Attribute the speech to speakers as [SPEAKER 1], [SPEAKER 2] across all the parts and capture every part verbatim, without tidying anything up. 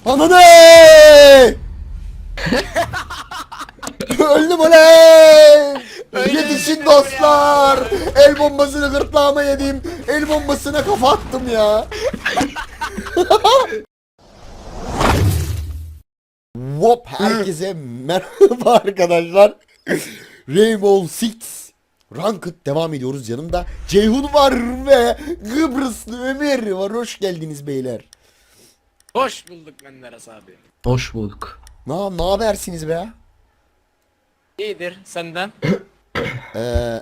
[SPEAKER 1] Ananı! Öldüm oley! Yetişin dostlar! El bombasını gırtlağıma yedim. El bombasına kafa attım ya. Wop, herkese merhaba arkadaşlar. Rainbow Six Ranked devam ediyoruz. Yanımda Ceyhun var ve Kıbrıslı Ömer var. Hoş geldiniz beyler.
[SPEAKER 2] Hoş bulduk Menderes abi.
[SPEAKER 3] Hoş bulduk.
[SPEAKER 1] Ne ne habersiniz be?
[SPEAKER 2] İyidir senden.
[SPEAKER 1] Ee,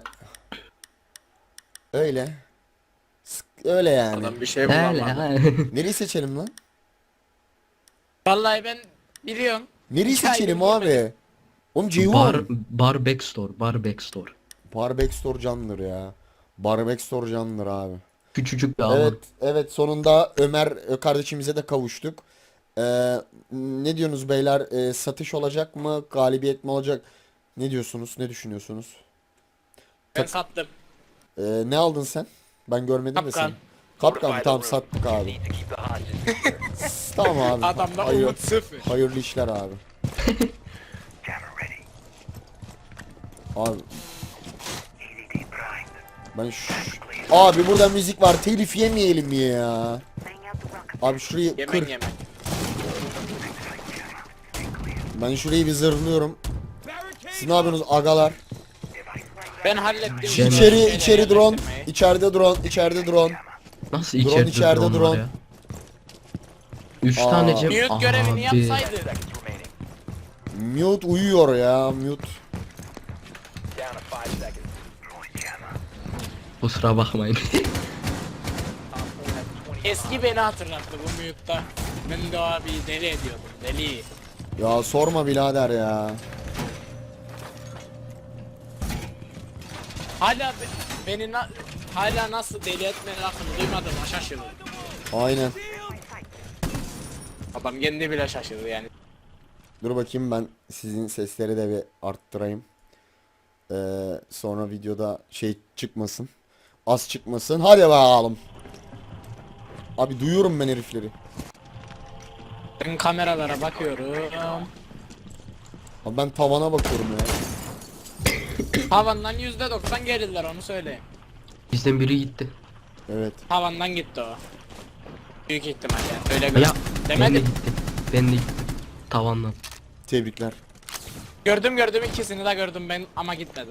[SPEAKER 1] öyle. Sık- Öyle yani.
[SPEAKER 2] Adam bir şey
[SPEAKER 3] Öyle
[SPEAKER 2] bulamadı.
[SPEAKER 3] ha.
[SPEAKER 1] Nereyi seçelim lan?
[SPEAKER 2] Vallahi ben biliyorum.
[SPEAKER 1] Nereyi
[SPEAKER 2] Hikayeyi
[SPEAKER 1] seçelim
[SPEAKER 2] bilmedim.
[SPEAKER 1] abi? Oğlum Ceyhun.
[SPEAKER 3] Bar, bar backstore, bar backstore.
[SPEAKER 1] Bar Backstore candır ya. Bar Backstore candır abi.
[SPEAKER 3] Küçücük bir alan.
[SPEAKER 1] Evet, evet sonunda Ömer e, kardeşimize de kavuştuk. Ee, ne diyorsunuz beyler? Ee, satış olacak mı? Galibiyet mi olacak? Ne diyorsunuz? Ne düşünüyorsunuz?
[SPEAKER 2] Ben sattım.
[SPEAKER 1] Ee, ne aldın sen? Ben görmedim de
[SPEAKER 2] Kapkan.
[SPEAKER 1] seni. Kapkan tamam sattık abi. Tamam abi.
[SPEAKER 2] Adamda
[SPEAKER 1] Hayır-
[SPEAKER 2] umut sıfır.
[SPEAKER 1] Hayırlı işler abi. Abi. Ben şu... Abi burada müzik var. Telif yemeyelim ya. Abi şurayı
[SPEAKER 2] Yemen
[SPEAKER 1] kır.
[SPEAKER 2] yemen.
[SPEAKER 1] Ben şurayı bir zırhlıyorum. Siz ne yapıyorsunuz agalar?
[SPEAKER 2] Ben hallettim.
[SPEAKER 3] Şey-
[SPEAKER 1] İçeri
[SPEAKER 2] Şeyleri
[SPEAKER 1] içeri drone.
[SPEAKER 2] yerleştirmeyi.
[SPEAKER 1] İçeride drone. İçeride drone.
[SPEAKER 3] Nasıl
[SPEAKER 1] Drone
[SPEAKER 3] içeride,
[SPEAKER 1] içeride
[SPEAKER 3] drone,
[SPEAKER 1] drone.
[SPEAKER 3] var ya? Üç
[SPEAKER 1] Aa.
[SPEAKER 3] tane cep.
[SPEAKER 2] Mute görevini yapsaydı.
[SPEAKER 1] Mute uyuyor ya. Mute.
[SPEAKER 3] Kusura bakmayın.
[SPEAKER 2] Eski beni hatırlattı bu mute'da. Ben de o abi deli ediyordum. Deli.
[SPEAKER 1] Ya sorma birader ya.
[SPEAKER 2] Hala be- beni na- hala nasıl deli etme lafını duymadım şaşırdım.
[SPEAKER 1] Aynen.
[SPEAKER 2] Adam kendi bile şaşırdı yani.
[SPEAKER 1] Dur bakayım ben sizin sesleri de bir arttırayım. Ee, sonra videoda şey çıkmasın. Az çıkmasın. Hadi bakalım. Abi duyuyorum ben herifleri.
[SPEAKER 2] Ben kameralara bakıyorum.
[SPEAKER 1] Abi ben tavana bakıyorum ya.
[SPEAKER 2] Havandan yüzde doksan gelirler onu söyleyeyim.
[SPEAKER 3] Bizden biri gitti.
[SPEAKER 1] Evet.
[SPEAKER 2] Havandan gitti o. Büyük ihtimalle. Öyle
[SPEAKER 3] Ya
[SPEAKER 2] gör.
[SPEAKER 3] ben de
[SPEAKER 2] Demedim.
[SPEAKER 3] gittim. Ben de gittim. Tavandan.
[SPEAKER 1] Tebrikler.
[SPEAKER 2] Gördüm gördüm ikisini de gördüm ben ama gitmedim.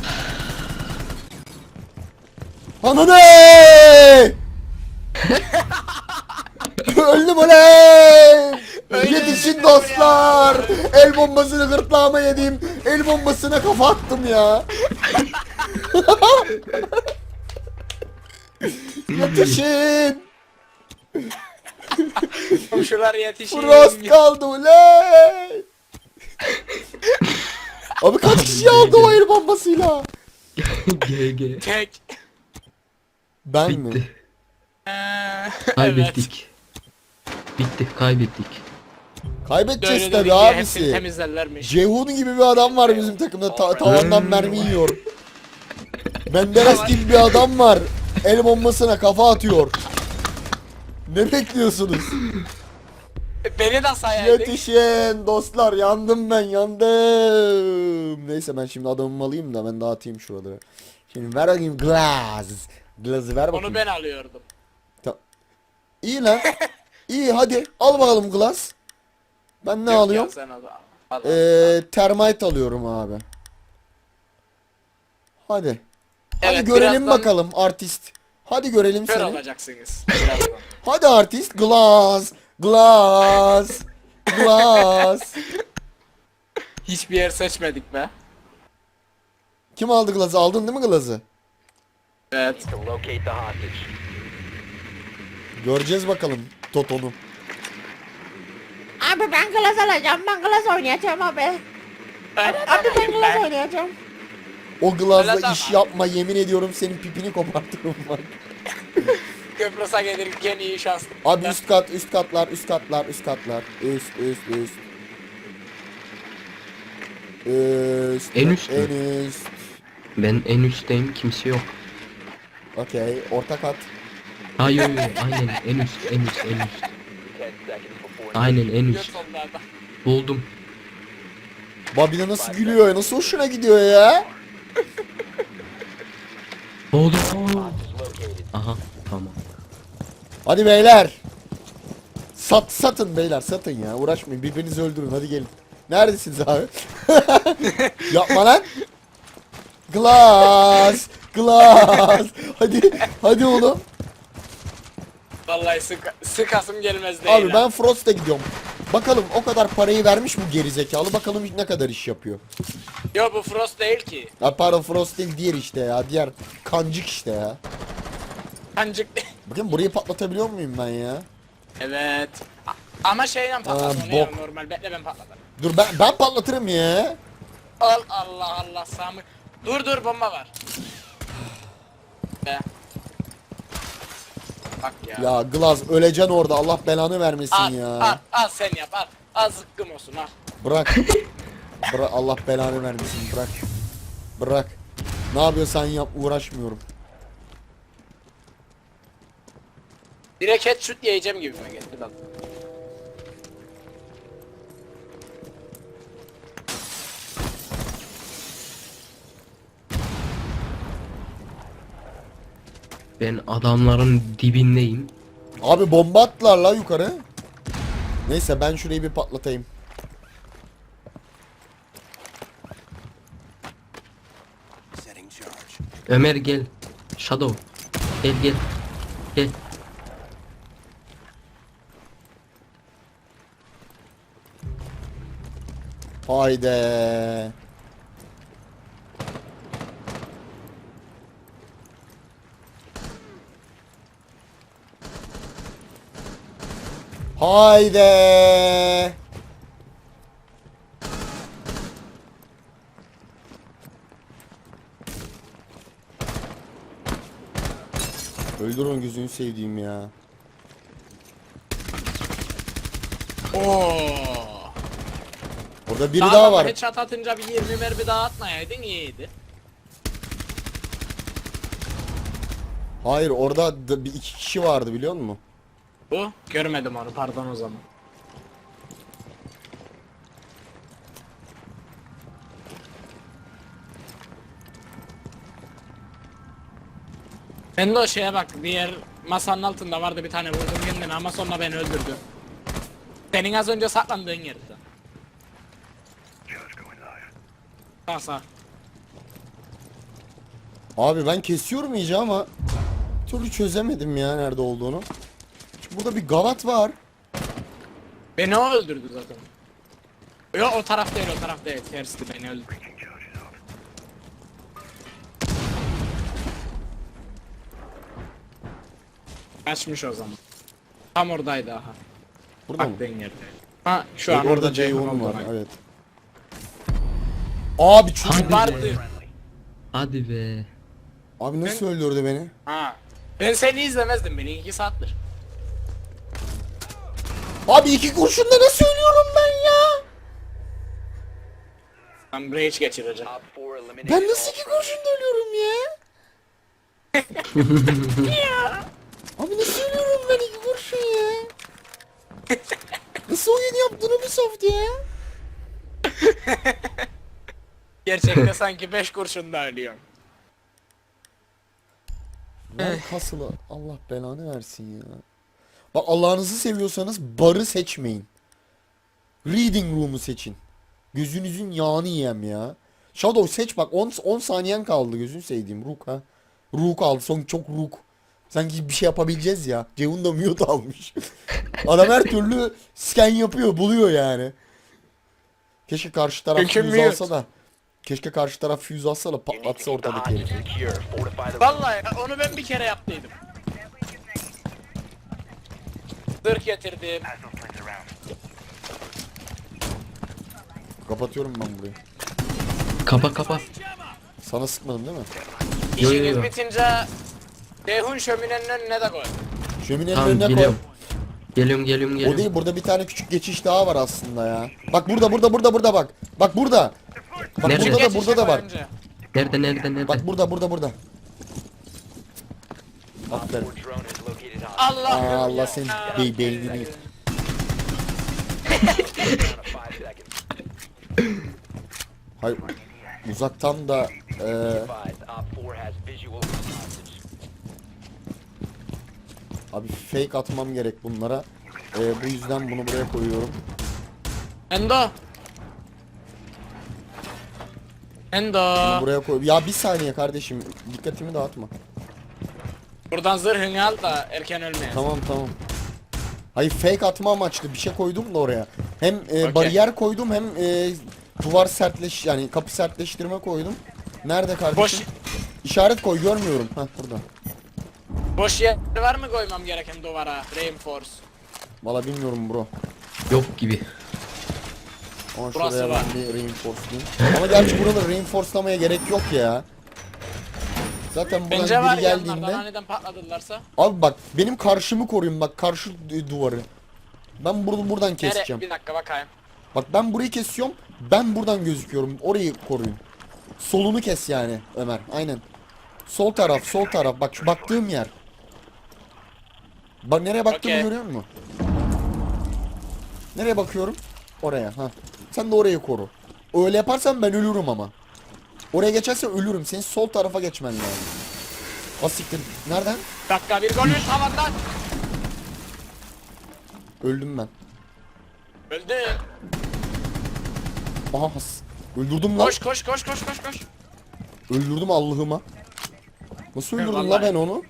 [SPEAKER 1] Ananı! Öldüm oley!
[SPEAKER 2] Öyle
[SPEAKER 1] Yetişin
[SPEAKER 2] öldüm
[SPEAKER 1] dostlar! El bombasını gırtlağıma yedim. El bombasına kafa attım ya. Yetişin!
[SPEAKER 2] Komşular yetişin.
[SPEAKER 1] Frost kaldı oley! Abi kaç kişi aldı o el bombasıyla?
[SPEAKER 3] G G.
[SPEAKER 2] Tek.
[SPEAKER 1] Ben mi?
[SPEAKER 3] Bitti.
[SPEAKER 2] Ee, evet.
[SPEAKER 3] Kaybettik. Bitti. Kaybettik.
[SPEAKER 1] Kaybedeceğiz
[SPEAKER 2] Böyle
[SPEAKER 1] tabi
[SPEAKER 2] de bir hepsini
[SPEAKER 1] abisi.
[SPEAKER 2] temizlerlermiş.
[SPEAKER 1] Ceyhun gibi bir adam var bizim takımda. Ta tavandan mermi yiyor. Menderes gibi bir adam var. El bombasına kafa atıyor. Ne bekliyorsunuz?
[SPEAKER 2] Beni de sayaydık.
[SPEAKER 1] Yetişin dostlar, yandım ben, yandım. Neyse ben şimdi adamımı alayım da ben dağıtayım şuraları. Şimdi ver bakayım glass. Glass'ı ver bakayım.
[SPEAKER 2] Onu ben alıyordum.
[SPEAKER 1] İyi lan. İyi hadi al bakalım glass. Ben ne
[SPEAKER 2] Yok
[SPEAKER 1] alıyorum?
[SPEAKER 2] ya, sen al. Al, al.
[SPEAKER 1] Ee, termite alıyorum abi. Hadi. Hadi
[SPEAKER 2] Evet,
[SPEAKER 1] görelim
[SPEAKER 2] birazdan
[SPEAKER 1] bakalım artist. Hadi görelim
[SPEAKER 2] kör
[SPEAKER 1] seni.
[SPEAKER 2] olacaksınız. Birazdan.
[SPEAKER 1] Hadi artist. Glass. Glass. Glass.
[SPEAKER 2] Hiçbir yer seçmedik be.
[SPEAKER 1] Kim aldı glazı? Aldın değil mi glazı?
[SPEAKER 2] Evet.
[SPEAKER 1] Göreceğiz bakalım Toto'nu.
[SPEAKER 4] Abi ben klas alacağım, ben klas oynayacağım abi. Abi ben klas oynayacağım.
[SPEAKER 1] O glazla
[SPEAKER 2] Öyle
[SPEAKER 1] iş
[SPEAKER 2] deme.
[SPEAKER 1] yapma, yemin ediyorum senin pipini kopartırım bak.
[SPEAKER 2] Kıbrıs'a gelirken iyi şans.
[SPEAKER 1] Abi üst kat, üst katlar, üst katlar, üst katlar. Üst, üst, üst. Üst.
[SPEAKER 3] En üst mü?
[SPEAKER 1] En üst.
[SPEAKER 3] Ben en üstteyim. Kimse yok.
[SPEAKER 1] Okey, orta kat.
[SPEAKER 3] Hayır hayır. Aynen. En üst. En üst. En üst. Aynen en
[SPEAKER 2] Göt
[SPEAKER 3] üst.
[SPEAKER 2] onlarda.
[SPEAKER 3] Buldum.
[SPEAKER 1] Babine nasıl gülüyor, nasıl hoşuna gidiyor ya?
[SPEAKER 3] Buldum. Aha tamam.
[SPEAKER 1] Hadi beyler. Sat satın beyler, satın ya. Uğraşmayın, birbirinizi öldürün, hadi gelin. Neredesiniz abi? Yapma lan. Glass, glass. Hadi, hadi oğlum.
[SPEAKER 2] Vallahi sık sıkasım gelmez değil.
[SPEAKER 1] Abi ben Frost'a gidiyorum. Bakalım o kadar parayı vermiş bu gerizekalı. Bakalım ne kadar iş yapıyor.
[SPEAKER 2] Yo bu Frost değil ki.
[SPEAKER 1] Ya pardon, Frost değil, diğer işte ya. Diğer kancık işte ya.
[SPEAKER 2] Kancık.
[SPEAKER 1] Bakın burayı patlatabiliyor muyum ben ya?
[SPEAKER 2] Evet. A- Ama şeyle patlat
[SPEAKER 1] Aa,
[SPEAKER 2] onu ya
[SPEAKER 1] bok.
[SPEAKER 2] normal. Bekle ben patlatırım.
[SPEAKER 1] Dur ben ben patlatırım ya.
[SPEAKER 2] Al Allah Allah Sami. Dur dur bomba var. Be. Bak ya.
[SPEAKER 1] Ya Glass öleceksin orada, Allah belanı vermesin
[SPEAKER 2] al,
[SPEAKER 1] ya.
[SPEAKER 2] al al sen yap al. Al zıkkım olsun al.
[SPEAKER 1] Bırak. Bırak, Allah belanı vermesin, bırak. Bırak. Ne yapıyorsan yap, uğraşmıyorum.
[SPEAKER 2] Direkt headshot yiyeceğim gibi mi geldi bak.
[SPEAKER 3] Ben adamların dibindeyim.
[SPEAKER 1] Abi bomba attılar la yukarı. Neyse ben şurayı bir patlatayım.
[SPEAKER 3] Ömer gel. Shadow. Gel gel. Gel.
[SPEAKER 1] Haydi. Haydi. Öldür onu, gözünü sevdiğim ya.
[SPEAKER 2] Oo.
[SPEAKER 1] Orada biri daha var.
[SPEAKER 2] Headshot atınca bir yirmi mermi daha atmayaydın iyiydi.
[SPEAKER 1] Hayır, orada da bir iki kişi vardı, biliyor musun?
[SPEAKER 2] Bu görmedim onu pardon o zaman. Ben de o şeye bak, diğer masanın altında vardı bir tane, vurdum kendini ama sonra beni öldürdü. Senin az önce saklandığın yerde. Sağ sağ.
[SPEAKER 1] Abi ben kesiyorum iyice ama bir türlü çözemedim ya nerede olduğunu. Çünkü burada bir gavat var.
[SPEAKER 2] Beni o öldürdü zaten. Yok o taraf değil, o taraf değil, tersti beni öldürdü. Kaçmış o zaman. Tam oradaydı aha.
[SPEAKER 1] Burada mı?
[SPEAKER 2] Baktığın yerde. Ha şu an
[SPEAKER 1] Orada
[SPEAKER 2] orada Ceyhun
[SPEAKER 1] Ceyhun'um var,
[SPEAKER 2] var.
[SPEAKER 1] evet. Abi çocuk.
[SPEAKER 3] Hadi
[SPEAKER 2] Vardı.
[SPEAKER 3] be. Hadi be.
[SPEAKER 1] Abi nasıl öldürdü beni?
[SPEAKER 2] Ha. Ben seni izlemezdim, beni iki saattir.
[SPEAKER 1] Abi iki kurşunla nasıl ölüyorum ben ya?
[SPEAKER 2] Ben rage geçireceğim.
[SPEAKER 1] Ben nasıl iki kurşunla ölüyorum ya? Abi nasıl ölüyorum ben iki kurşun ya? Nasıl oyun yaptın Ubisoft ya?
[SPEAKER 2] Gerçekte sanki beş kurşunda ölüyorum.
[SPEAKER 1] Ver kasılı, Allah belanı versin ya. Bak Allah'ınızı seviyorsanız barı seçmeyin. Reading room'u seçin. Gözünüzün yağını yiyem ya. Shadow seç bak, on on saniyen kaldı, gözünü sevdiğim Rook ha. Rook aldı, son çok Rook. Sanki bir şey yapabileceğiz ya. Ceyhun da mute almış. Adam her türlü scan yapıyor, buluyor yani. Keşke karşı taraf
[SPEAKER 2] Çünkü
[SPEAKER 1] füze
[SPEAKER 2] mute.
[SPEAKER 1] alsa da. Keşke karşı taraf füze alsa da patlatsa ortadaki herifi.
[SPEAKER 2] Vallahi onu ben bir kere yaptıydım. Zırh getirdim.
[SPEAKER 1] Kapatıyorum ben burayı.
[SPEAKER 3] Kapa kapa.
[SPEAKER 1] Sana sıkmadım değil mi?
[SPEAKER 3] Yo, yo,
[SPEAKER 2] İşiniz
[SPEAKER 3] yo.
[SPEAKER 2] bitince Ceyhun şöminenin önüne de koy.
[SPEAKER 1] Şöminenin
[SPEAKER 3] Tamam
[SPEAKER 1] önüne koy.
[SPEAKER 3] geliyorum. Geliyorum geliyorum
[SPEAKER 1] O
[SPEAKER 3] geliyorum.
[SPEAKER 1] değil, burada bir tane küçük geçiş daha var aslında ya. Bak burada burada burada burada bak. Bak burada. Bak
[SPEAKER 3] Nerede?
[SPEAKER 1] burada da
[SPEAKER 2] Geçişe
[SPEAKER 1] burada da
[SPEAKER 2] koy
[SPEAKER 1] var.
[SPEAKER 2] önce.
[SPEAKER 3] Nerede nerede nerede?
[SPEAKER 1] Bak burada burada burada. Aferin.
[SPEAKER 2] Allah
[SPEAKER 1] Aa, Allah senin
[SPEAKER 2] ya.
[SPEAKER 1] be beynini. Hayır. Uzaktan da eee abi fake atmam gerek bunlara. Eee, bu yüzden bunu buraya koyuyorum.
[SPEAKER 2] Endo. Endo.
[SPEAKER 1] Bunu buraya koy. Ya bir saniye kardeşim. Dikkatimi dağıtma.
[SPEAKER 2] Buradan zırhını al da erken ölmeyin.
[SPEAKER 1] Tamam tamam. Hayır fake atma amaçlı bir şey koydum da oraya. Hem e,
[SPEAKER 2] Okey.
[SPEAKER 1] bariyer koydum hem e, duvar sertleş yani kapı sertleştirme koydum. Nerede kardeşim?
[SPEAKER 2] Boş
[SPEAKER 1] İşaret koy görmüyorum. Heh burada.
[SPEAKER 2] boş yer var mı koymam gereken duvara? Reinforce.
[SPEAKER 1] Valla bilmiyorum bro.
[SPEAKER 3] Yok gibi.
[SPEAKER 1] Ama
[SPEAKER 2] Burası
[SPEAKER 1] şuraya
[SPEAKER 2] var.
[SPEAKER 1] ben bir reinforcelayayım. Ama gerçi burada reinforcelamaya gerek yok ya. Zaten buradan
[SPEAKER 2] Bence var
[SPEAKER 1] biri
[SPEAKER 2] yanlardan
[SPEAKER 1] geldiğinde.
[SPEAKER 2] aniden patladılarsa.
[SPEAKER 1] Abi bak benim karşımı koruyun bak karşı du- duvarı. Ben bunu buradan
[SPEAKER 2] Nere?
[SPEAKER 1] keseceğim.
[SPEAKER 2] Bir dakika bakayım.
[SPEAKER 1] Bak ben burayı kesiyorum. Ben buradan gözüküyorum. Orayı koruyun. Solunu kes yani Ömer. Aynen. Sol taraf, sol taraf. Bak şu baktığım yer. Bak nereye baktığımı
[SPEAKER 2] Okey.
[SPEAKER 1] görüyor musun? Nereye bakıyorum? Oraya. Ha. Sen de orayı koru. Öyle yaparsan ben ölürüm ama. Oraya geçersen ölürüm. Senin sol tarafa geçmen lazım. Asiktir. Nereden?
[SPEAKER 2] Dakika bir gol bir tavandan.
[SPEAKER 1] Öldüm ben.
[SPEAKER 2] Öldü.
[SPEAKER 1] Aha has. Öldürdüm lan.
[SPEAKER 2] Koş koş koş koş koş koş.
[SPEAKER 1] Öldürdüm Allah'ıma. Nasıl öldürdüm la
[SPEAKER 2] Vallahi.
[SPEAKER 1] ben onu?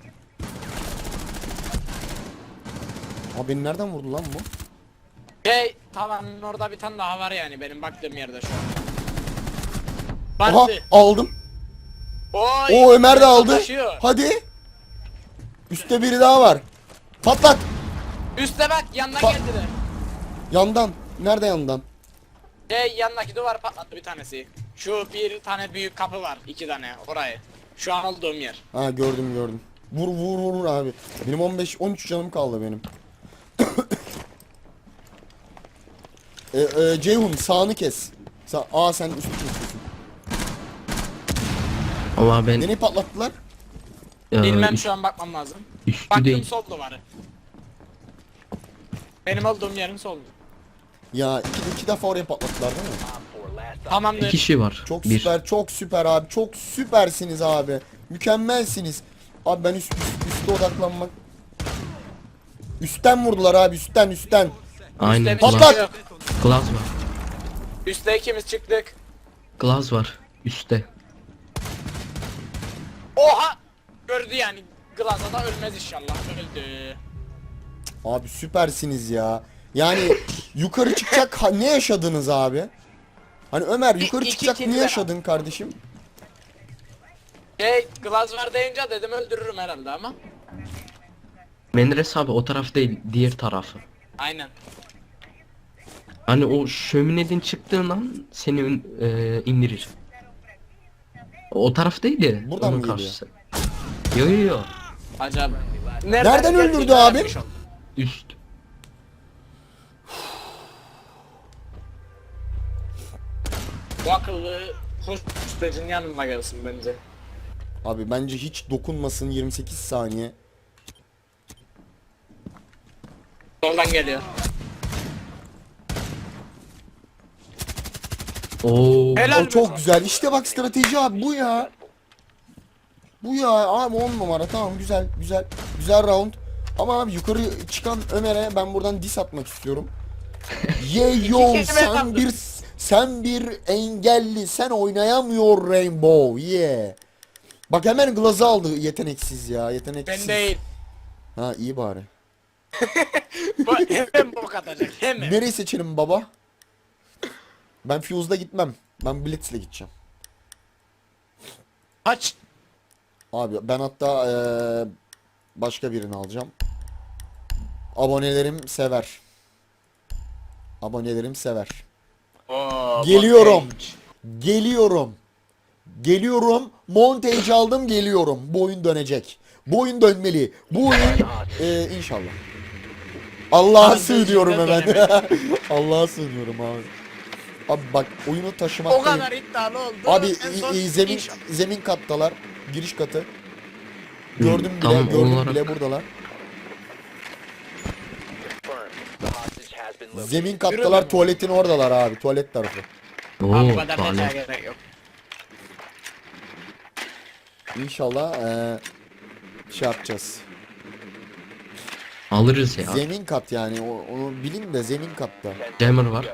[SPEAKER 1] Aa beni nereden vurdu lan bu?
[SPEAKER 2] Şey tavanın orada bir tane daha var yani benim baktığım yerde şu an.
[SPEAKER 1] Aha
[SPEAKER 2] Bantı.
[SPEAKER 1] aldım.
[SPEAKER 2] Oy.
[SPEAKER 1] O Ömer de aldı.
[SPEAKER 2] Taşıyor.
[SPEAKER 1] Hadi. Üstte biri daha var. Patlat.
[SPEAKER 2] Üste bak yanına
[SPEAKER 1] Ba-
[SPEAKER 2] geldiler.
[SPEAKER 1] Yandan. Nerede yandan?
[SPEAKER 2] Şey yanındaki duvar patlattı bir tanesi. Şu bir tane büyük kapı var. iki tane orayı. Şu an olduğum yer.
[SPEAKER 1] Ha gördüm gördüm. Vur vur vur vur abi. Benim on beş on üç canım kaldı benim. e, e, Ceyhun sağını kes. Sa Aa sen üstü kesiyorsun.
[SPEAKER 3] Ama ben
[SPEAKER 1] Nereye patlattılar?
[SPEAKER 3] e,
[SPEAKER 2] Bilmem
[SPEAKER 3] üst-
[SPEAKER 2] şu an bakmam lazım.
[SPEAKER 3] üstü
[SPEAKER 2] Baktım
[SPEAKER 3] değil.
[SPEAKER 2] sol duvarı. Benim olduğum yerin sol.
[SPEAKER 1] Ya iki, iki defa oraya patlattılar değil mi?
[SPEAKER 2] Tamamdır.
[SPEAKER 3] Bir kişi var.
[SPEAKER 1] Çok
[SPEAKER 3] bir.
[SPEAKER 1] süper, çok süper abi. Çok süpersiniz abi. Mükemmelsiniz. Abi ben üst, üst üste odaklanmak. Üstten vurdular abi, üstten üstten.
[SPEAKER 3] Aynen.
[SPEAKER 2] Üstte bir
[SPEAKER 1] Patlat!
[SPEAKER 2] şey yok.
[SPEAKER 3] Glaz var.
[SPEAKER 2] Üste ikimiz çıktık.
[SPEAKER 3] Glaz var. Üstte.
[SPEAKER 2] Oha! Gördü yani. Glaza da ölmez inşallah. Öldü.
[SPEAKER 1] Abi süpersiniz ya. Yani yukarı çıkacak ha- ne yaşadınız abi? Hani Ömer yukarı
[SPEAKER 2] iki
[SPEAKER 1] çıkacak
[SPEAKER 2] kill
[SPEAKER 1] ne
[SPEAKER 2] var.
[SPEAKER 1] yaşadın kardeşim?
[SPEAKER 2] Şey glaz var deyince dedim öldürürüm herhalde ama.
[SPEAKER 3] Menderes abi o taraf değil. Diğer tarafı.
[SPEAKER 2] Aynen.
[SPEAKER 3] Hani o şömineden çıktığın an seni e, indirir. O taraf değil ya.
[SPEAKER 1] Buradan
[SPEAKER 3] onun
[SPEAKER 1] mı geliyor?
[SPEAKER 3] karşısı. Yo yo yo.
[SPEAKER 2] Acaba.
[SPEAKER 1] Nereden öldürdü
[SPEAKER 2] geldiğini
[SPEAKER 1] abim?
[SPEAKER 2] öğrenmiş oldum.
[SPEAKER 3] Üst.
[SPEAKER 2] Bu akıllı hostacın yanına gelsin bence.
[SPEAKER 1] Abi bence hiç dokunmasın yirmi sekiz saniye.
[SPEAKER 2] Soldan geliyor.
[SPEAKER 3] Oo.
[SPEAKER 2] Helal
[SPEAKER 1] O çok
[SPEAKER 2] be.
[SPEAKER 1] güzel. İşte bak strateji abi bu ya. Bu ya abi on numara tamam güzel güzel güzel round. Ama abi yukarı çıkan Ömer'e ben buradan diss atmak istiyorum. Ye yo
[SPEAKER 2] kelime
[SPEAKER 1] sen
[SPEAKER 2] yaptım.
[SPEAKER 1] bir sen bir engelli sen oynayamıyor Rainbow ye. Bak hemen glazı aldı yeteneksiz ya yeteneksiz.
[SPEAKER 2] Ben değil.
[SPEAKER 1] Ha iyi bari.
[SPEAKER 2] Bu hemen bok atacak hemen.
[SPEAKER 1] Nereyi seçelim baba? Ben Fuse'da gitmem. Ben Blitz'le gideceğim.
[SPEAKER 2] Kaç.
[SPEAKER 1] Abi ben hatta eee, başka birini alacağım. Abonelerim sever. Abonelerim sever.
[SPEAKER 2] Oo,
[SPEAKER 1] Geliyorum.
[SPEAKER 2] bok
[SPEAKER 1] Geliyorum. Geliyorum. Montage aldım geliyorum. Bu oyun dönecek. Bu oyun dönmeli. Bu oyun eee, inşallah. Allah'a
[SPEAKER 2] Abi,
[SPEAKER 1] sığınıyorum
[SPEAKER 2] ben
[SPEAKER 1] hemen.
[SPEAKER 2] dönemedim.
[SPEAKER 1] Allah'a sığınıyorum abi. Abi bak oyunu
[SPEAKER 2] O
[SPEAKER 1] taşımaktayım.
[SPEAKER 2] kadar iddialı oldu.
[SPEAKER 1] Abi
[SPEAKER 2] En son
[SPEAKER 1] i- i- zemin
[SPEAKER 2] inşallah.
[SPEAKER 1] zemin kattalar. Giriş katı. Gördüm bile,
[SPEAKER 3] tamam,
[SPEAKER 1] gördüm
[SPEAKER 3] olarak-
[SPEAKER 1] bile buradalar. Zemin kattalar, tuvaletin oradalar abi. Tuvalet tarafı.
[SPEAKER 3] Oo,
[SPEAKER 2] Abi bu kadar
[SPEAKER 3] tuvalet.
[SPEAKER 2] detaya gerek yok.
[SPEAKER 1] İnşallah eee şey yapacağız.
[SPEAKER 3] Alırız ya.
[SPEAKER 1] Zemin kat yani. O- onu bilin de zemin katta.
[SPEAKER 3] Jammer var.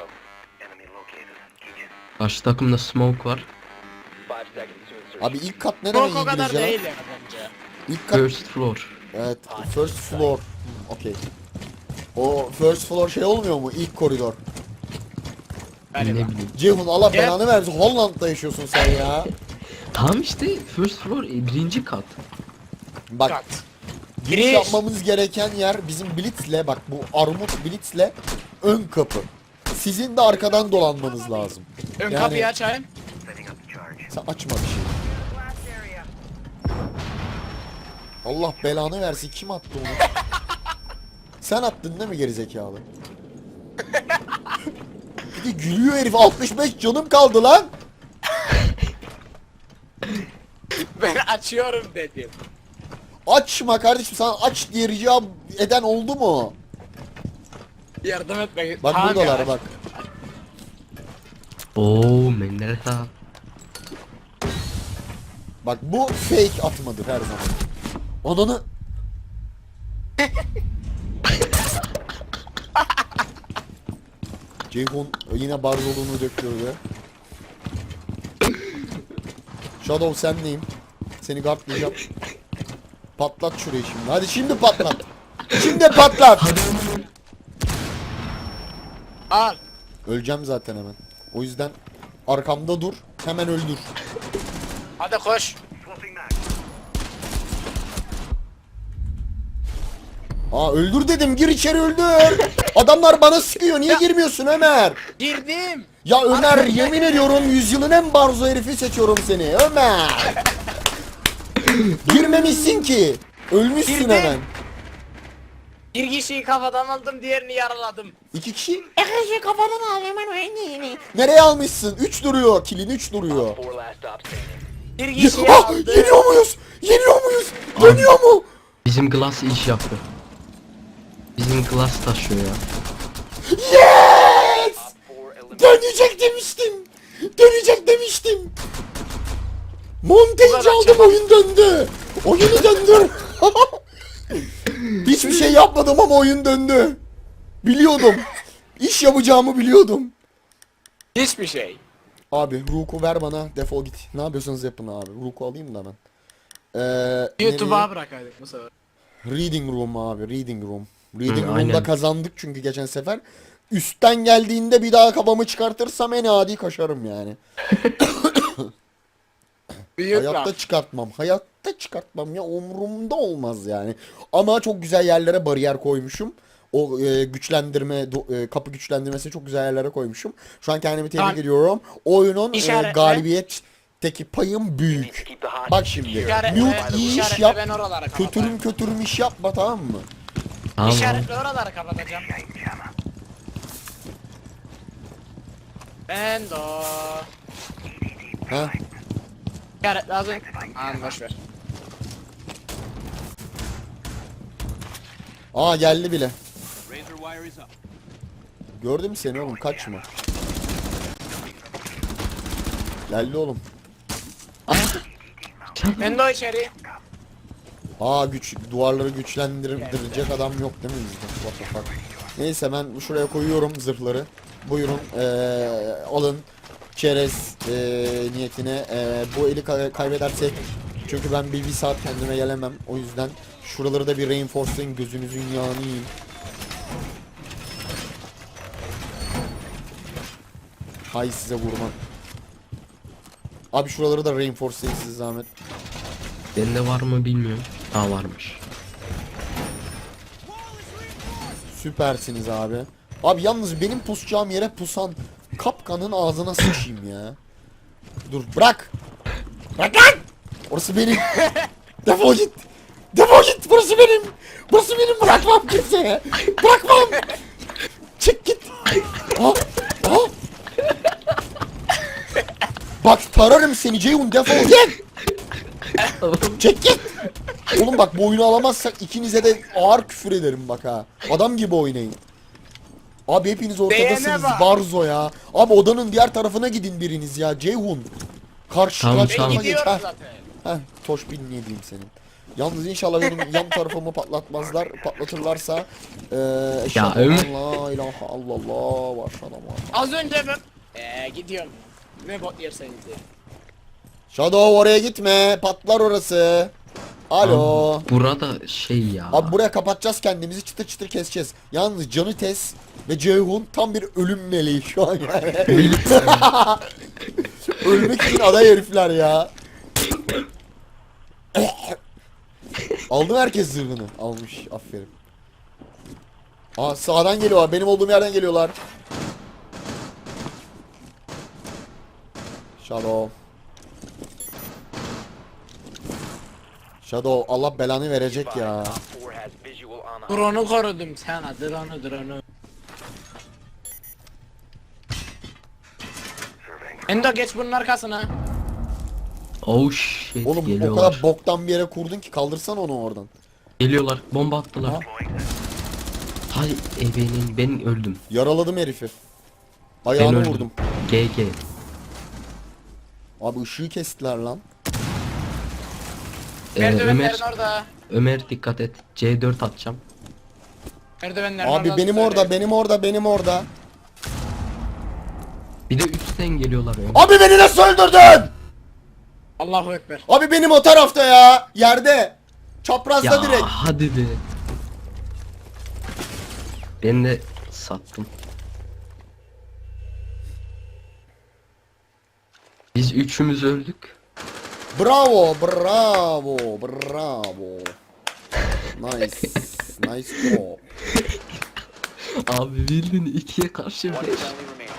[SPEAKER 3] Karşı takımda smoke var.
[SPEAKER 1] Abi ilk kat ne demek
[SPEAKER 2] Çok o kadar
[SPEAKER 1] İngilizce? lan?
[SPEAKER 2] değil ya bence.
[SPEAKER 1] İlk kat
[SPEAKER 3] First floor.
[SPEAKER 1] evet, first floor. Okey. O first floor şey olmuyor mu? İlk koridor.
[SPEAKER 2] Galiba.
[SPEAKER 3] Ne bileyim.
[SPEAKER 1] Ceyhun Allah
[SPEAKER 2] Yep.
[SPEAKER 1] belanı versin. Hollanda'da yaşıyorsun sen ya.
[SPEAKER 3] Tamam işte first floor e, birinci kat.
[SPEAKER 1] Bak
[SPEAKER 2] Kat.
[SPEAKER 1] giriş
[SPEAKER 2] Giriş.
[SPEAKER 1] yapmamız gereken yer bizim Blitz'le, bak bu Armut Blitz'le ön kapı. Sizin de arkadan dolanmanız lazım.
[SPEAKER 2] Ön
[SPEAKER 1] Yani-
[SPEAKER 2] kapıyı açayım.
[SPEAKER 1] Sen açma bir şey. Allah belanı versin, kim attı onu? Sen attın değil mi gerizekalı? Bir de gülüyor herif, altmış beş canım kaldı lan.
[SPEAKER 2] Ben açıyorum dedim.
[SPEAKER 1] Açma kardeşim, sana aç diye rica eden oldu mu?
[SPEAKER 2] Yardım etmek.
[SPEAKER 1] Bak
[SPEAKER 2] Tamam
[SPEAKER 1] buradalar
[SPEAKER 2] ya.
[SPEAKER 1] bak.
[SPEAKER 3] Oo Menderes.
[SPEAKER 1] Bak bu fake atmadır her zaman. Ananı... Ceyhun yine barzoluğunu döktürdü. Shadow senleyim. Seni guardlayacağım. Patlat şurayı şimdi. Hadi şimdi patlat. Şimdi patlat.
[SPEAKER 2] Al.
[SPEAKER 1] Öleceğim zaten hemen. O yüzden arkamda dur. Hemen öldür.
[SPEAKER 2] Hadi koş.
[SPEAKER 1] Aa öldür dedim. Gir içeri öldür. Adamlar bana sıkıyor. Niye girmiyorsun Ömer?
[SPEAKER 2] Girdim.
[SPEAKER 1] Ya Ömer yemin ediyorum yüzyılın en barzo herifi seçiyorum seni. Ömer. Girmemişsin ki. Ölmüşsün
[SPEAKER 2] Girdim.
[SPEAKER 1] hemen.
[SPEAKER 2] Bir kişiyi kafadan aldım, diğerini yaraladım.
[SPEAKER 1] İki kişi.
[SPEAKER 4] Yakışı kafadan alıyorum ben oyunu.
[SPEAKER 1] Nereye almışsın? Üç duruyor. Kilin üç duruyor.
[SPEAKER 2] Bir
[SPEAKER 1] Ye-
[SPEAKER 2] kişiyi
[SPEAKER 1] Ah,
[SPEAKER 2] aldım.
[SPEAKER 1] yeniyor muyuz? Yeniyor muyuz? Dönüyor mu?
[SPEAKER 3] Bizim Glass iş yaptı. Bizim Glass taşıyor ya.
[SPEAKER 1] Yes! Dönecek demiştim. Dönecek demiştim. Montage
[SPEAKER 2] kadar
[SPEAKER 1] aldım,
[SPEAKER 2] çabuk.
[SPEAKER 1] oyun döndü. Oyunu döndür. Hiçbir şey yapmadım ama oyun döndü. Biliyordum. İş yapacağımı biliyordum.
[SPEAKER 2] Hiçbir şey.
[SPEAKER 1] Abi Rook'u ver bana, defol git. Ne yapıyorsanız yapın abi. Rook'u alayım da ben. Ee,
[SPEAKER 2] YouTube'a
[SPEAKER 1] nereye?
[SPEAKER 2] bırakaydık bu sefer.
[SPEAKER 1] Reading Room abi, Reading Room. Reading
[SPEAKER 3] Hı,
[SPEAKER 1] Room'da
[SPEAKER 3] aynen.
[SPEAKER 1] kazandık çünkü geçen sefer. Üstten geldiğinde bir daha kafamı çıkartırsam en adi kaşarım yani.
[SPEAKER 2] Büyük
[SPEAKER 1] Hayatta
[SPEAKER 2] laf.
[SPEAKER 1] çıkartmam. Hayatta çıkartmam ya, umurumda olmaz yani. Ama çok güzel yerlere bariyer koymuşum. O e, güçlendirme, do- e, kapı güçlendirmesi çok güzel yerlere koymuşum. Şu an kendimi tebrik
[SPEAKER 2] Tamam.
[SPEAKER 1] ediyorum. Oyunun e,
[SPEAKER 2] İşaretle.
[SPEAKER 1] galibiyetteki payım büyük. Bak şimdi.
[SPEAKER 2] İşaretle,
[SPEAKER 1] Mute iyi iş
[SPEAKER 2] işaretle
[SPEAKER 1] yap.
[SPEAKER 2] ben oraları kapatayım.
[SPEAKER 1] Kötürüm kötürüm iş yapma, tamam mı?
[SPEAKER 3] Tamam.
[SPEAKER 2] İşaretle oraları kapatacağım. Ben de o.
[SPEAKER 1] Ha?
[SPEAKER 2] İşaret lazım. Aman boşver.
[SPEAKER 1] Aa geldi bile. Gördüm seni oğlum, kaçma. Geldi oğlum.
[SPEAKER 2] Ben de o içeri.
[SPEAKER 1] Aa güç, duvarları güçlendirecek adam yok değil mi bizde? What the fuck. Neyse ben şuraya koyuyorum zırhları. Buyurun eee, alın çerez eee, niyetine. Eee, bu eli kay- kaybedersek, çünkü ben bir, bir saat kendime gelemem. O yüzden şuraları da bir reinforcelayın, gözünüzün yağını yiyin. Hay size vurma. Abi şuraları da reinforcelayın siz zahmet.
[SPEAKER 3] Bende var mı bilmiyorum. Ha varmış.
[SPEAKER 1] Süpersiniz abi. Abi yalnız benim pusacağım yere pusan kapkanın ağzına sıçayım ya. Dur bırak. Bırak lan. Orası benim. Defol git. Defol git. Burası benim. Burası benim. Bırakmam kimseye. Bırakmam. Çık git. Ha. Ha. Bak tararım seni Ceyhun, defol git. Çek git. Oğlum bak bu oyunu alamazsak ikinize de ağır küfür ederim bak ha. Adam gibi oynayın. Abi hepiniz ortadasınız
[SPEAKER 2] Beğene bak.
[SPEAKER 1] Barzo ya. Abi odanın diğer tarafına gidin biriniz ya Ceyhun. Karşı
[SPEAKER 3] Tamam,
[SPEAKER 1] karşı
[SPEAKER 2] Ben
[SPEAKER 3] tamam.
[SPEAKER 1] tarafa geç.
[SPEAKER 2] gidiyorum
[SPEAKER 1] Heh.
[SPEAKER 2] zaten.
[SPEAKER 1] Heh, toş bin niye diyeyim senin. Yalnız inşallah benim yan tarafımı patlatmazlar. Patlatırlarsa eee eşhedü
[SPEAKER 3] Ömer.
[SPEAKER 1] en la ilahe illallah ve eşhedü enne Muhammed-
[SPEAKER 2] Az önce ben ee, gidiyorum. Ne bot yerseniz de.
[SPEAKER 1] Shadow oraya gitme. Patlar orası. Alo.
[SPEAKER 3] Abi, burada şey ya.
[SPEAKER 1] Abi buraya kapatacağız kendimizi, çıtır çıtır keseceğiz. Yalnız Canı Tez ve Ceyhun tam bir ölüm meleği şu an yani. Ölmek için aday herifler ya. Aldı mı herkes zırhını? Almış, aferin. Aa sağdan geliyorlar, benim olduğum yerden geliyorlar. Shadow. Shadow Allah belanı verecek ya.
[SPEAKER 2] Drone'u korudum sana. Drone'u drone'u. Endo geç bunun arkasına.
[SPEAKER 3] Oh shit,
[SPEAKER 1] Oğlum o
[SPEAKER 3] geliyorlar.
[SPEAKER 1] kadar boktan bir yere kurdun ki kaldırsan onu oradan.
[SPEAKER 3] Geliyorlar, bomba attılar.
[SPEAKER 1] Ha?
[SPEAKER 3] Hay ebenin, ben öldüm.
[SPEAKER 1] Yaraladım herifi.
[SPEAKER 3] Ben
[SPEAKER 1] Ayağını
[SPEAKER 3] öldüm.
[SPEAKER 1] vurdum.
[SPEAKER 3] G G.
[SPEAKER 1] Abi ışığı kestiler lan.
[SPEAKER 3] Ee,
[SPEAKER 2] Merdivenlerin
[SPEAKER 3] Ömer,
[SPEAKER 2] orada.
[SPEAKER 3] Ömer dikkat et. C dört atacağım.
[SPEAKER 2] Merdivenlerin
[SPEAKER 1] Abi
[SPEAKER 2] orada.
[SPEAKER 1] benim
[SPEAKER 2] söyle.
[SPEAKER 1] orada, benim orada, benim orada.
[SPEAKER 3] Bir de üstten geliyorlar Ömer.
[SPEAKER 1] Abi beni nasıl öldürdün?
[SPEAKER 2] Allahu ekber.
[SPEAKER 1] Abi benim o tarafta ya. Yerde. Çaprazda
[SPEAKER 3] Ya
[SPEAKER 1] direkt.
[SPEAKER 3] hadi be. Ben de sattım. Biz üçümüz öldük.
[SPEAKER 1] Bravo, bravo, bravo. Nice. Nice job.
[SPEAKER 3] Abi bildin ikiye karşı beş.
[SPEAKER 5] Mission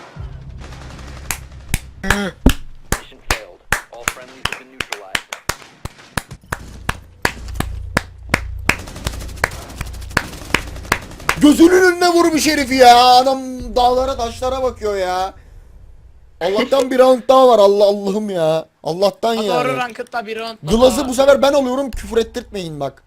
[SPEAKER 5] failed. All friendlies have been neutralized.
[SPEAKER 1] Gözünün önüne vurmuş herifi ya. Adam dağlara taşlara bakıyor ya. Allah'tan bir round daha var. Allah Allah'ım ya. Allah'tan
[SPEAKER 2] Doğru
[SPEAKER 1] yani.
[SPEAKER 2] ranked'da bir round.
[SPEAKER 1] Glaz'ı bu sefer ben alıyorum, küfür ettirtmeyin bak.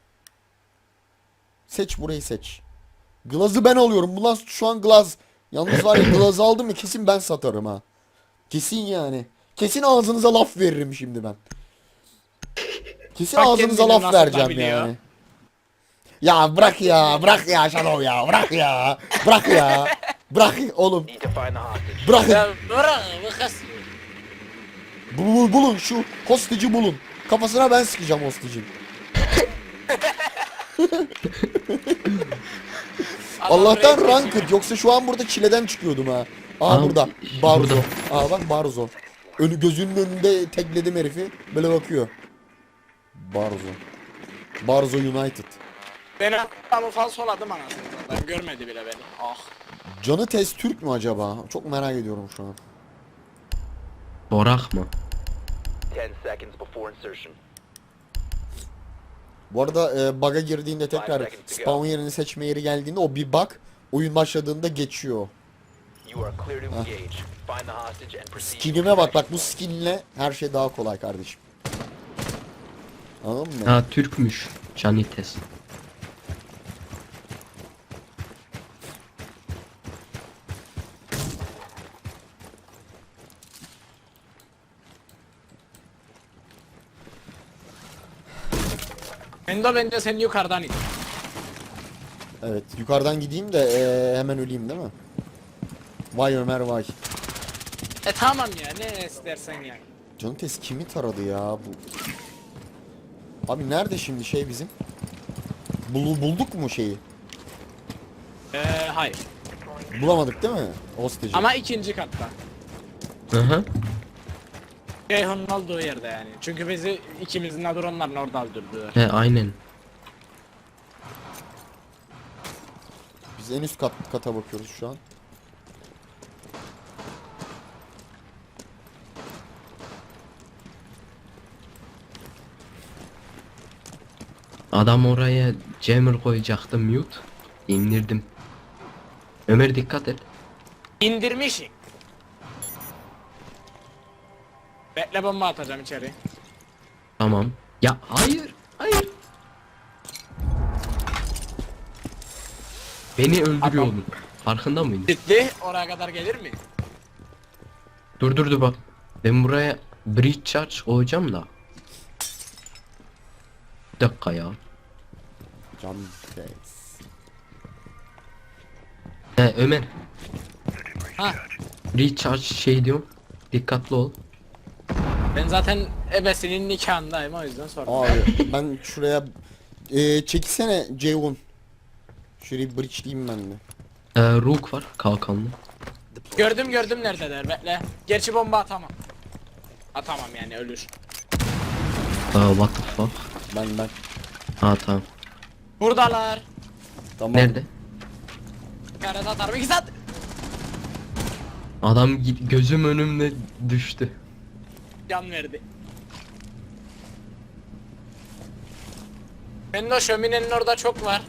[SPEAKER 1] Seç burayı seç. Glaz'ı ben alıyorum. Bundan şu an Glaz. Yalnız var ya Glaz'ı aldım mı kesin ben satarım ha. Kesin yani. Kesin ağzınıza laf veririm şimdi ben. Kesin
[SPEAKER 2] Bak
[SPEAKER 1] ağzınıza
[SPEAKER 2] kendini
[SPEAKER 1] laf
[SPEAKER 2] nasıl da
[SPEAKER 1] vereceğim
[SPEAKER 2] biliyor.
[SPEAKER 1] yani. Ya bırak ya, bırak ya Shadow ya, bırak ya. Bırak ya. Bırak oğlum.
[SPEAKER 5] Need to find the hostage.
[SPEAKER 1] Bırakın.
[SPEAKER 2] Ya bırak bu kız.
[SPEAKER 1] Bulun, bulun şu hostage'i bulun. Kafasına ben sıkacağım hostage'in. Allah'tan
[SPEAKER 2] Adam
[SPEAKER 1] ranked yoksa şu an burada çileden çıkıyordum ha. Aa
[SPEAKER 3] Aa,
[SPEAKER 1] burada. Barzo.
[SPEAKER 3] burada.
[SPEAKER 1] Aa bak Barzo. Önü gözünün önünde tekledim herifi. Böyle bakıyor. Barzo. Barzo United.
[SPEAKER 2] Ben adamı falsoladım anasını. Ben görmedi bile beni. Ah.
[SPEAKER 1] Canı Tez Türk mü acaba? Çok merak ediyorum şu an.
[SPEAKER 3] Borak mı?
[SPEAKER 5] Ten seconds before insertion.
[SPEAKER 1] Bu arada e, bug'a girdiğinde tekrar spawn yerini seçme yeri geldiğinde o bir bug oyun başladığında geçiyor.
[SPEAKER 5] You are clear to engage. Find the hostage and proceed.
[SPEAKER 1] Skinime bak bak bu skinle her şey daha kolay kardeşim. Anladın mı?
[SPEAKER 3] Ha Türkmüş. Canites.
[SPEAKER 2] Endo bence sen yukarıdan in.
[SPEAKER 1] Evet yukarıdan gideyim de e, hemen öleyim değil mi? Vay Ömer vay.
[SPEAKER 2] E tamam ya ne istersen ya.
[SPEAKER 1] Canı Tez kimi taradı ya bu? Abi nerede şimdi şey bizim? Bul, bulduk mu şeyi?
[SPEAKER 2] Eee hayır.
[SPEAKER 1] Bulamadık değil mi? Hostage'i.
[SPEAKER 2] Ama ikinci katta.
[SPEAKER 3] Hı hı.
[SPEAKER 2] Ceyhun'un olduğu yerde yani. Çünkü bizi ikimizin de dronların orada öldürdüler.
[SPEAKER 3] He aynen.
[SPEAKER 1] Biz en üst kat, kata bakıyoruz şu an.
[SPEAKER 3] Adam oraya jammer koyacaktı mute. İndirdim. Ömer dikkat et.
[SPEAKER 2] İndirmişim. Bekle bomba atacağım içeri.
[SPEAKER 3] Tamam. Ya hayır. Hayır. Beni öldürüyor
[SPEAKER 2] Adam-
[SPEAKER 3] oğlum. Farkında mıydın?
[SPEAKER 2] Ciddi oraya kadar gelir mi?
[SPEAKER 3] Dur dur dur bak. Ben buraya bridge charge koyacağım da. Bir dakika ya.
[SPEAKER 1] Cam face.
[SPEAKER 3] He Ömer.
[SPEAKER 2] Ha.
[SPEAKER 3] Bridge charge şey diyorum. Dikkatli ol.
[SPEAKER 2] Ben zaten ebesinin nikahındayım o yüzden sordum.
[SPEAKER 1] Abi ben şuraya e, çekilsene Ceyhun. Şurayı bridge'leyeyim ben de.
[SPEAKER 3] Ee, Rook var kalkanlı.
[SPEAKER 2] Gördüm gördüm neredeler bekle. Gerçi bomba atamam. Atamam yani ölür.
[SPEAKER 3] Aa, what the fuck.
[SPEAKER 1] Ben ben.
[SPEAKER 3] Ha tamam.
[SPEAKER 2] Buradalar.
[SPEAKER 1] Tamam.
[SPEAKER 3] Nerede?
[SPEAKER 2] Kare atarım iki saat.
[SPEAKER 3] Adam gi- gözüm önümde düştü.
[SPEAKER 2] Can verdi. Benim de o şöminenin orada çok var.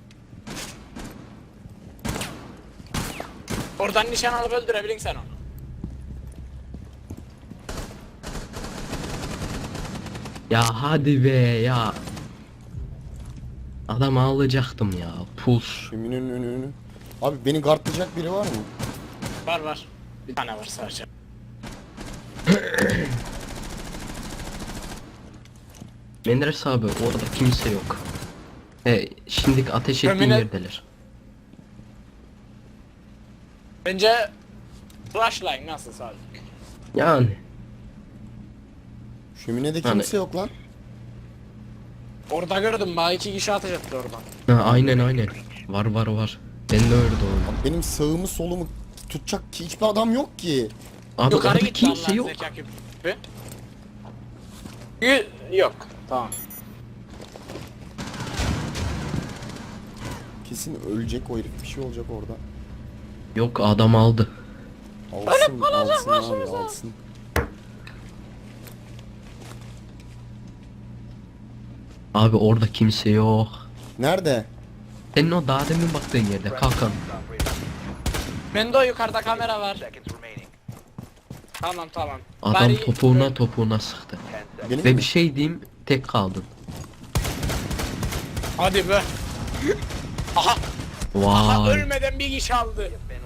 [SPEAKER 2] Oradan nişan alıp öldürebilin sen onu.
[SPEAKER 3] Ya hadi be ya. Adam ağlayacaktım ya. Puls.
[SPEAKER 1] Şöminenin önünü. Abi beni guardlayacak biri var mı?
[SPEAKER 2] Var var. Bir tane var sadece.
[SPEAKER 3] Menderes abi orada kimse yok. E, şimdi ateş ettiğin
[SPEAKER 2] Şömine-
[SPEAKER 3] yerdeler.
[SPEAKER 2] Bence rushline nasıl sadece.
[SPEAKER 3] Yani.
[SPEAKER 1] Şöminede
[SPEAKER 3] Hani-
[SPEAKER 1] kimse yok lan.
[SPEAKER 2] Orada gördüm bana iki kişi ateş etti oradan.
[SPEAKER 3] Ha, aynen aynen. Var var var. Ben de öyle doğru.
[SPEAKER 1] Benim sağımı solumu tutacak ki hiçbir adam yok ki.
[SPEAKER 3] Abi
[SPEAKER 2] Yukarı
[SPEAKER 3] orada
[SPEAKER 2] gitti
[SPEAKER 3] kimse
[SPEAKER 2] Allah'ın
[SPEAKER 3] yok.
[SPEAKER 2] zeka küpü. Y- Yok. Tamam.
[SPEAKER 1] Kesin ölecek o herif, bir şey olacak orada.
[SPEAKER 3] Yok adam aldı.
[SPEAKER 1] Alsın, alsın abi, alsın.
[SPEAKER 3] Abi orada kimse yok.
[SPEAKER 1] Nerede?
[SPEAKER 3] Senin o daha demin baktığın yerde kalkan.
[SPEAKER 2] Bende o yukarıda kamera var.
[SPEAKER 5] Seconds remaining.
[SPEAKER 2] Tamam tamam.
[SPEAKER 3] Adam
[SPEAKER 2] Bari-
[SPEAKER 3] topuğuna topuğuna sıktı.
[SPEAKER 5] Ten seconds.
[SPEAKER 1] Benim
[SPEAKER 3] Ve
[SPEAKER 1] mi?
[SPEAKER 3] bir şey diyeyim tek kaldın.
[SPEAKER 2] Hadi be. Aha. Aha
[SPEAKER 3] Vay.
[SPEAKER 2] ölmeden bir kişi aldı.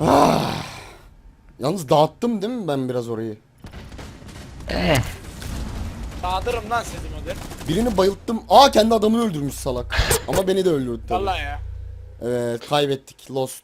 [SPEAKER 1] Yalnız dağıttım değil mi ben biraz orayı?
[SPEAKER 3] Eh.
[SPEAKER 2] Dağıtırım lan sizi müdür.
[SPEAKER 1] Birini bayılttım. Aa kendi adamını öldürmüş salak. Ama beni de öldürdü tabii.
[SPEAKER 2] Vallahi ya.
[SPEAKER 1] Evet, kaybettik. Lost.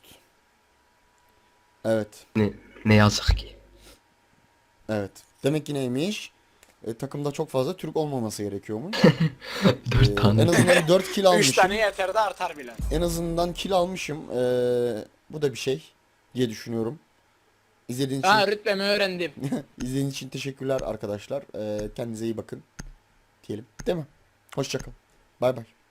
[SPEAKER 1] Evet.
[SPEAKER 3] Ne, ne yazık ki.
[SPEAKER 1] Evet. Demek ki neymiş? E, takımda çok fazla Türk olmaması gerekiyormuş.
[SPEAKER 3] Dört
[SPEAKER 1] E,
[SPEAKER 3] tane.
[SPEAKER 1] en azından dört kill
[SPEAKER 2] Üç
[SPEAKER 1] almışım.
[SPEAKER 2] tane yeter de artar bile.
[SPEAKER 1] En azından kill almışım. E, bu da bir şey diye düşünüyorum. İzlediğiniz için,
[SPEAKER 2] Ha rütbemi öğrendim.
[SPEAKER 1] izlediğiniz için teşekkürler arkadaşlar. E, kendinize iyi bakın. Diyelim. Değil mi? Hoşçakalın. Bay bay.